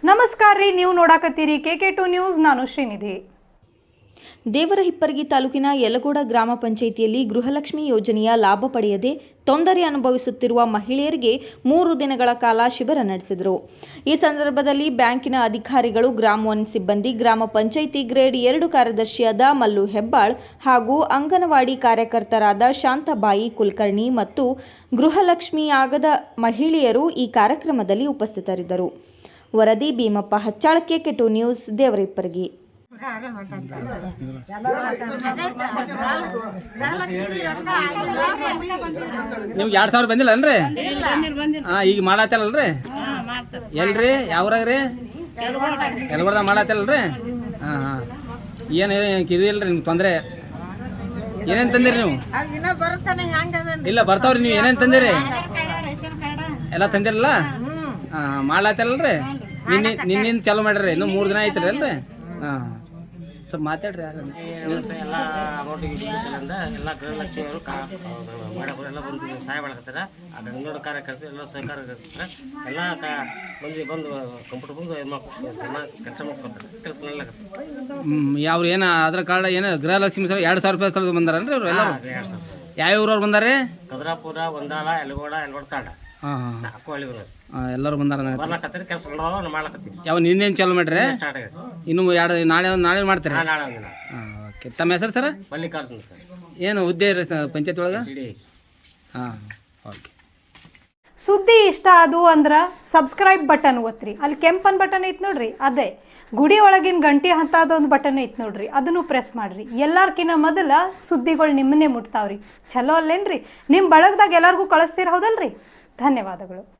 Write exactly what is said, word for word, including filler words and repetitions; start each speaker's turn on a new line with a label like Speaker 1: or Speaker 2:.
Speaker 1: ನಮಸ್ಕಾರ ರೀ, ನೀವು ನೋಡಾಕತ್ತೀರಿ ಕೆ ಕೆ ಟು ನ್ಯೂಸ್. ನಾನು ಶ್ರೀನಿಧಿ.
Speaker 2: ದೇವರಹಿಪ್ಪರಗಿ ತಾಲೂಕಿನ ಯಲಗೋಡ ಗ್ರಾಮ ಪಂಚಾಯಿತಿಯಲ್ಲಿ ಗೃಹಲಕ್ಷ್ಮಿ ಯೋಜನೆಯ ಲಾಭ ಪಡೆಯದೆ ತೊಂದರೆ ಅನುಭವಿಸುತ್ತಿರುವ ಮಹಿಳೆಯರಿಗೆ ಮೂರು ದಿನಗಳ ಕಾಲ ಶಿಬಿರ ನಡೆಸಿದರು. ಈ ಸಂದರ್ಭದಲ್ಲಿ ಬ್ಯಾಂಕಿನ ಅಧಿಕಾರಿಗಳು, ಗ್ರಾಮ ಒನ್ ಸಿಬ್ಬಂದಿ, ಗ್ರಾಮ ಪಂಚಾಯಿತಿ ಗ್ರೇಡ್ ಎರಡು ಕಾರ್ಯದರ್ಶಿಯಾದ ಮಲ್ಲು ಹೆಬ್ಬಾಳ್ ಹಾಗೂ ಅಂಗನವಾಡಿ ಕಾರ್ಯಕರ್ತರಾದ ಶಾಂತಾಬಾಯಿ ಕುಲಕರ್ಣಿ ಮತ್ತು ಗೃಹಲಕ್ಷ್ಮಿಯಾಗದ ಮಹಿಳೆಯರು ಈ ಕಾರ್ಯಕ್ರಮದಲ್ಲಿ ಉಪಸ್ಥಿತರಿದ್ದರು. ವರದಿ Bhimappa Hachchal, K K two news, Devarahipparagi.
Speaker 3: ನೀವು ಎರಡ್ ಸಾವಿರ ಬಂದಿಲ್ಲ ಅನ್ರಿ? ಹಾ, ಈಗ ಮಾಡತ್ತಲ್ರಿ? ಎಲ್ರಿ ಯಾವ್ರಾಗ್ರಿ? ಯಲಗೋಡದಾಗ ಮಾಡತ್ತಲ್ರಿ? ಹಾ ಹಾ ಏನ್ ಇದು ಇಲ್ರಿ ನಿಮ್ಗೆ ತೊಂದ್ರೆ? ಏನೇನ್ ತಂದಿರಿ ನೀವು? ಇಲ್ಲ ಬರ್ತಾವ್ರಿ. ನೀವು ಏನೇನ್ ತಂದಿರಿ? ಎಲ್ಲ ತಂದಿರಲ್ಲ? ಹಾ ಮಾಡ್ಲಾತಲ್ರಿ? ನಿನ್ನೆ ನಿನ್ನಿಂದ ಚಾಲು ಮಾಡ್ರಿ? ಇನ್ನು ಮೂರ್ ದಿನ ಐತ್ರಿ ಅಲ್ರಿ? ಹಾ ಸ್ವಲ್ಪ ಮಾತಾಡ್ರಿ. ಯಾರು
Speaker 4: ಎಲ್ಲ ಅಮೌಂಟಿಗೆ ಎಲ್ಲ ಗೃಹಲಕ್ಷ್ಮಿಯವರು ಎಲ್ಲ ಬಂದು ಸಹಾಯ ಮಾಡಕತ್ತಾರ. ಆ ಗಂಗೋಡ ಕಾರ್ಯಕರ್ತರು ಎಲ್ಲ ಸಹಕಾರ ಎಲ್ಲ ಮಂದಿ ಬಂದು ಕಂಪ್ಯೂಟರ್ ಬಂದು ಚೆನ್ನಾಗಿ ಕೆಲಸ ಮಾಡ್ಕೊತಾರೆ. ಕೆಲಸ ಮಾಡ್ಲಾಕತ್ತಾರೆ.
Speaker 3: ಹ್ಮ್ ಯಾವ ಏನ ಅದ್ರ ಕಾರ್ಡ್ ಏನ ಗೃಹಲಕ್ಷ್ಮಿ ಸರ್ ಎರಡ್ ಸಾವಿರ ರೂಪಾಯಿ ಸಲ ಬಂದಾರನ್ರಿ ಅವ್ರು ಎಲ್ಲ?
Speaker 4: ಎರಡು ಸಾವಿರ.
Speaker 3: ಯಾವ ಊರವ್ರು ಬಂದಾರೆ?
Speaker 4: ಕದ್ರಾಪುರ, ಒಂದಾಲ, ಯಲಗೋಡ, ಯಲಗೋಡ ತಾಂಡ,
Speaker 3: ಹಾ ಹಾ
Speaker 4: ನಾಲ್ಕು ಹಳ್ಳಿ ಬರೋದು
Speaker 3: ಎಲ್ಲರೂ ಬಂದಾರ.
Speaker 4: ಬರ್ಲಾಕತ್ತಾರೆ. ಕೆಲಸ ಮಾಡ್ಲಾಕತ್ತೀವಿ.
Speaker 3: ಯಾವ ನಿನ್ನೇನು ಚಾಲು ಮಾಡ್ರಿ?
Speaker 4: ಸ್ಟಾರ್ಟ್ ಆಗಿದೆ.
Speaker 3: ಇನ್ನು ಎರಡು ನಾಳೆ ನಾಳೆ ಮಾಡ್ತಾರೆ.
Speaker 4: ನಾಳೆ ಒಂದಿನ.
Speaker 3: ಓಕೆ. ತಮ್ಮ ಹೆಸರು ಸರ್?
Speaker 4: ಮಲ್ಲಿಕಾರ್ಜುನ
Speaker 3: ಏನು ಹುದ್ದೆ ಪಂಚಾಯತ್ ಒಳಗೆ?
Speaker 4: ಸಿಡಿ.
Speaker 3: ಹಾಂ ಓಕೆ.
Speaker 1: ಸುದ್ದಿ ಇಷ್ಟ ಆದು ಅಂದ್ರೆ ಸಬ್ಸ್ಕ್ರೈಬ್ ಬಟನ್ ಒತ್ತಿರಿ. ಅಲ್ಲಿ ಕೆಂಪನ್ ಬಟನ್ ಐತ್ ನೋಡ್ರಿ, ಅದೇ ಗುಡಿ ಒಳಗಿನ ಗಂಟೆ ಹಂತದೊಂದು ಬಟನ್ ಐತ್ ನೋಡ್ರಿ, ಅದನ್ನು ಪ್ರೆಸ್ ಮಾಡ್ರಿ. ಎಲ್ಲಾರ್ಕಿನ್ನ ಮೊದಲ ಸುದ್ದಿಗಳು ನಿಮ್ಮನ್ನೇ ಮುಟ್ತಾವ್ರಿ. ಚಲೋ ಅಲ್ಲೇನ್ರಿ? ನಿಮ್ಮ ಬಳಗದಾಗ ಎಲ್ಲರಿಗೂ ಕಳಿಸ್ತೀರ, ಹೌದಲ್ರಿ? ಧನ್ಯವಾದಗಳು.